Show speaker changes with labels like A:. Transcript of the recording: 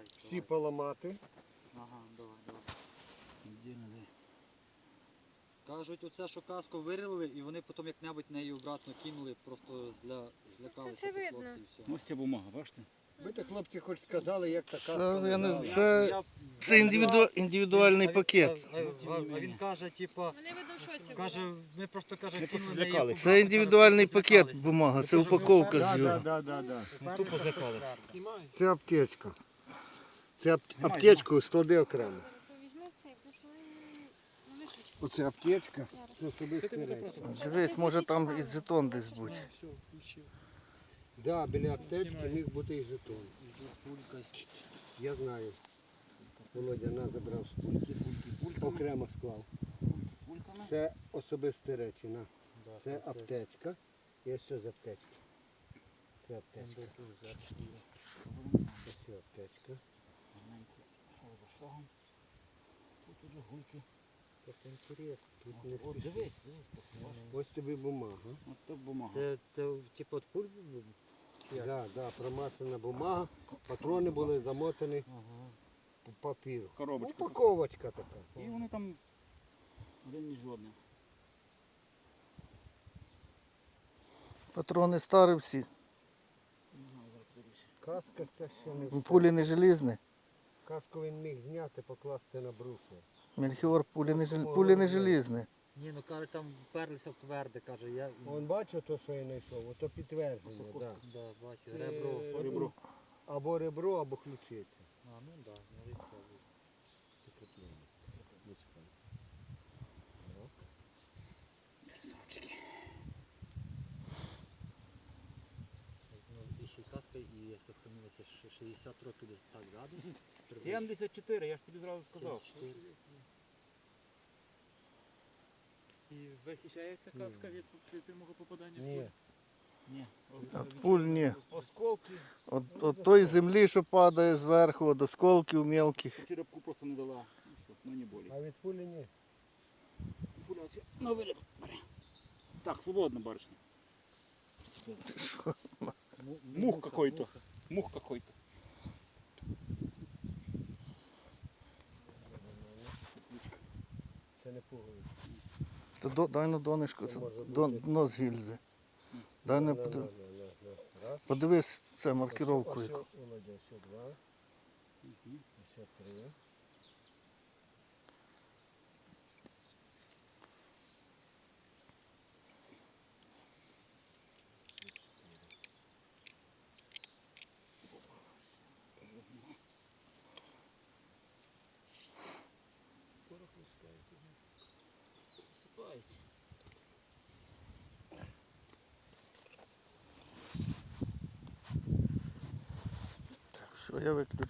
A: всі поламати.
B: Ага, давай. Кажуть, оце, що каску вирили, і вони потім як-небудь неї обратно кинули, просто злякалися
C: Це
B: тих
C: видно.
B: хлопців і все.
D: Ось ця бумага, бачите?
A: Ви так, хлопці, хоч сказали, як та
E: Це,
A: каска
E: я не
A: лежала.
E: знаю, це індивідуальний пакет.
B: А він каже, типа,
C: Вони видно в шоці були.
B: каже, ми просто каже,
D: Ми
B: кинули
D: просто
B: неї
D: злякалися.
E: Це
B: обратно,
E: індивідуальний
B: каже,
E: пакет
B: злякалися.
E: бумага, це
B: Ми кажемо,
E: упаковка
B: «Да,
E: з його.
A: Да.
D: Тупо злякалися.
A: Це аптечка. Це аптечку склади окремо.
C: То візьми цей, тому що вони виключать.
A: Оце аптечка, це особисті речі.
E: Дивись, може там і жетон десь бути.
A: Да, біля аптечки міг бути і жетон. Я знаю. Володя нас забрав з пульки, окремо склав. Це особисті речі. На. Це аптечка. І ось що з аптечки. Це аптечка. Ось аптечка.
D: Тут уже гульки.
A: Так інтересно. Тут не
D: От
A: спіши.
D: дивись.
A: Ось тобі бумага.
D: От так бумага.
B: Це типу от пуль?
A: Да, промасана бумага. Патрони були замотані в папір.
D: Коробочка.
A: Упаковочка така.
D: І вони там один між одним.
E: Патрони старі всі.
A: Каска це ще не все.
E: Пулі не желізні.
A: Каску він міг зняти, покласти на брухло.
E: Мельхіор, пулі не желізні.
B: Ні, ну каже, там вперлися в тверде, каже, я...
A: Вон бачив то, що я знайшов, ото підтвердження, да.
B: Да, бачу,
A: Це
B: ребро.
D: Ребро.
A: Або ребро, або ключиця.
B: А, ну да, може і це буде.
D: Красавчики.
B: Ну, і ще й каска, і сохранилося 60 років десь так ззаду.
D: 74, я ж тобі зразу сказав.
B: 74.
F: І захищається каска від прямого попадання в
A: Ні.
F: кулю?
D: Ні.
E: От пуль ні.
D: Осколки.
E: От той землі, що падає зверху, от осколків мелких.
D: Черепку просто не дала. Ну що, ну не болі.
A: А від пулі ні.
D: Пуля оця на виліт бере. Так, свободно, барышня. Мух какой-то. Мух какой-то.
A: Це не пуговиця.
E: Та дай на донечко, це дно з гільзи. Дай на
A: Раз.
E: подивись це маркировку яку.
A: Ось, Володя, ще два. Ще три.
D: Посипається.
E: Так, що я виключу.